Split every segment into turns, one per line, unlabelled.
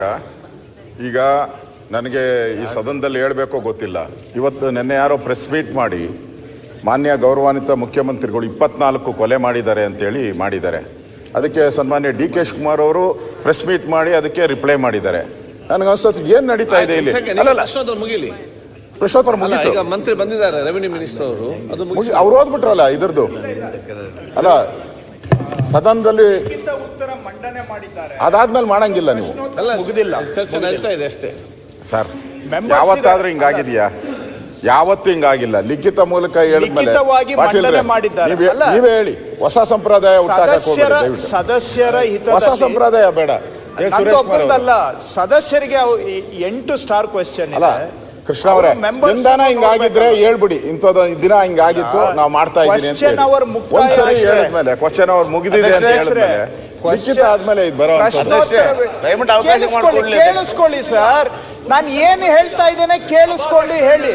ಈಗ ನನಗೆ ಈ ಸದನದಲ್ಲಿ ಹೇಳಬೇಕೋ ಗೊತ್ತಿಲ್ಲ. ಇವತ್ತು ನಿನ್ನೆ ಯಾರೋ ಪ್ರೆಸ್ ಮೀಟ್ ಮಾಡಿ ಮಾನ್ಯ ಗೌರವಾನ್ವಿತ ಮುಖ್ಯಮಂತ್ರಿಗಳು 24 ಕೊಲೆ ಮಾಡಿದ್ದಾರೆ ಅಂತೇಳಿ ಮಾಡಿದ್ದಾರೆ. ಅದಕ್ಕೆ ಸನ್ಮಾನ್ಯ ಡಿ ಕೆ ಶಿವಕುಮಾರ್ ಅವರು ಪ್ರೆಸ್ ಮೀಟ್ ಮಾಡಿ ಅದಕ್ಕೆ ರಿಪ್ಲೈ ಮಾಡಿದ್ದಾರೆ. ನನಗನ್ಸುತ್ತೆ ಏನು ನಡೀತಾ ಇದೆ ಇಲ್ಲಿ.
ಮುಗಿಲಿ
ಪ್ರಶ್ನೋತ್ತರ ಮುಗಿತು.
ಈಗ ಮಂತ್ರಿ ಬಂದಿದ್ದಾರೆ, ರೆವಿನ್ಯೂ ಮಿನಿಸ್ಟರ್ ಅವರು, ಅದು
ಅವ್ರು ಓದ್ಬಿಟ್ರಲ್ಲ ಇದ್ರದ್ದು. ಅಲ್ಲ, ಸದನದಲ್ಲಿ ಅದಾದ್ಮೇಲೆ ಮಾಡಂಗಿಲ್ಲ ನೀವು.
ಮುಗಿದಿಲ್ಲ, ಚರ್ಚೆ ನಡೀತಾ ಇದೆ ಅಷ್ಟೇ
ಸರ್. ಯಾವತ್ತಾದ್ರೂ ಹಿಂಗಾಗಿದೆಯಾ? ಯಾವತ್ತೂ ಹಿಂಗಾಗಿಲ್ಲ. ಲಿಖಿತ ಮೂಲಕ ಹೇಳಿದ್ಮೇಲೆ ನೀವೇ ಹೇಳಿ. ಹೊಸ ಸಂಪ್ರದಾಯ
ಸದಸ್ಯರ
ಹೊಸ ಸಂಪ್ರದಾಯ ಬೇಡ.
ಸದಸ್ಯರಿಗೆ 8 ಸ್ಟಾರ್ ಕ್ವೆಶ್ಚನ್
ಅಲ್ಲ ಕೃಷ್ಣ ಅವರೇ, ದಿನ ಹಿಂಗಾಗಿದ್ರೆ ಹೇಳ್ಬಿಡಿ, ಇಂಥದ್ದು ದಿನ ಹಿಂಗಾಗಿತ್ತು ನಾವು ಮಾಡ್ತಾ ಇದ್ದೀನಿ ಅಂತ ಒಂದ್ಸರಿ ಹೇಳಿದ್ಮೇಲೆ ಕ್ವಶನ್ ಅವ್ರು ಮುಗಿದಿದೆ ಅಂತ ಹೇಳಿದ್ಮೇಲೆ ಲಿಖಿತ ಆದ್ಮೇಲೆ ಇದು ಬರೋ
ಕೇಳಿಸ್ಕೊಳ್ಳಿ ಸರ್. ನಾನು ಏನು ಹೇಳ್ತಾ ಇದ್ದೇನೆ ಕೇಳಿಸ್ಕೊಂಡು ಹೇಳಿ.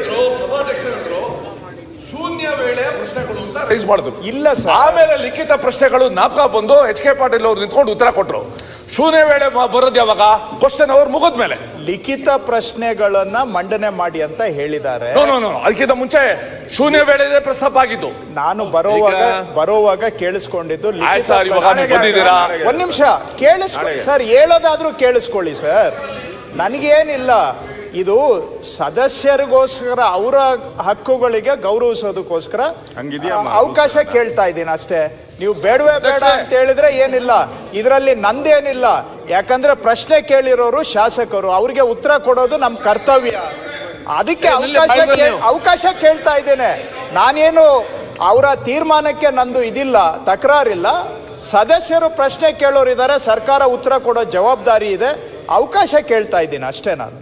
ಶೂನ್ಯ ವೇಳೆ ಪ್ರಶ್ನೆಗಳು ಅಂತ ರೈಸ್ ಮಾಡಿದ್ರು.
ಇಲ್ಲ ಸರ್,
ಆಮೇಲೆ ಲಿಖಿತ ಪ್ರಶ್ನೆಗಳು ನಾಪಕ ಬಂದು ಎಚ್ ಕೆ ಪಾಟೀಲ್ ಅವರು ನಿಂತ್ಕೊಂಡು ಉತ್ತರ ಕೊಟ್ಟರು. ಶೂನ್ಯ ವೇಳೆ ಬರೋದು ಯಾವಾಗ? ಕ್ವಶನ್ ಅವ್ರು ಮುಗಿದ್ಮೇಲೆ
ಲಿಖಿತ ಪ್ರಶ್ನೆಗಳನ್ನ ಮಂಡನೆ ಮಾಡಿ ಅಂತ ಹೇಳಿದ್ದಾರೆ.
ಅದಕ್ಕಿಂತ ಮುಂಚೆ ಶೂನ್ಯ ವೇಳೆ ಪ್ರಸ್ತಾಪ ಆಗಿತ್ತು.
ನಾನು ಬರೋವಾಗ ಕೇಳಿಸ್ಕೊಂಡಿದ್ದು. ಒಂದ್ ನಿಮಿಷ ಕೇಳಿಸ್ಕೊಳ್ಳಿ ಸರ್, ಹೇಳೋದಾದ್ರೂ ಕೇಳಿಸ್ಕೊಳ್ಳಿ ಸರ್. ನನಗೇನಿಲ್ಲ, ಇದು ಸದಸ್ಯರಿಗೋಸ್ಕರ ಅವರ ಹಕ್ಕುಗಳಿಗೆ ಗೌರವಿಸೋದಕ್ಕೋಸ್ಕರ ಅವಕಾಶ ಕೇಳ್ತಾ ಇದ್ದೀನಿ ಅಷ್ಟೇ. ನೀವು ಬೇಡವೇ ಬೇಡ ಅಂತ ಹೇಳಿದ್ರೆ ಏನಿಲ್ಲ, ಇದರಲ್ಲಿ ನಂದೇನಿಲ್ಲ. ಯಾಕಂದ್ರೆ ಪ್ರಶ್ನೆ ಕೇಳಿರೋರು ಶಾಸಕರು, ಅವ್ರಿಗೆ ಉತ್ತರ ಕೊಡೋದು ನಮ್ಮ ಕರ್ತವ್ಯ. ಅದಕ್ಕೆ ಅವಕಾಶ ಕೇಳ್ತಾ ಇದ್ದೇನೆ. ನಾನೇನು ಅವರ ತೀರ್ಮಾನಕ್ಕೆ ನಂದು ಇದಿಲ್ಲ, ತಕರಾರಿಲ್ಲ. ಸದಸ್ಯರು ಪ್ರಶ್ನೆ ಕೇಳೋರಿದ್ದಾರೆ, ಸರ್ಕಾರ ಉತ್ತರ ಕೊಡೋ ಜವಾಬ್ದಾರಿ ಇದೆ. ಅವಕಾಶ ಕೇಳ್ತಾ ಇದ್ದೀನಿ ಅಷ್ಟೇ ನಾನು.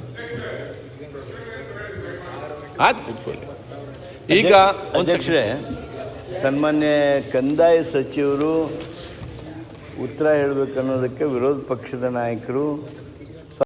ಈಗ
ಅಧ್ಯಕ್ಷರೇ, ಸನ್ಮಾನ್ಯ ಕಂದಾಯ ಸಚಿವರು ಉತ್ತರ ಹೇಳಬೇಕನ್ನೋದಕ್ಕೆ ವಿರೋಧ ಪಕ್ಷದ ನಾಯಕರು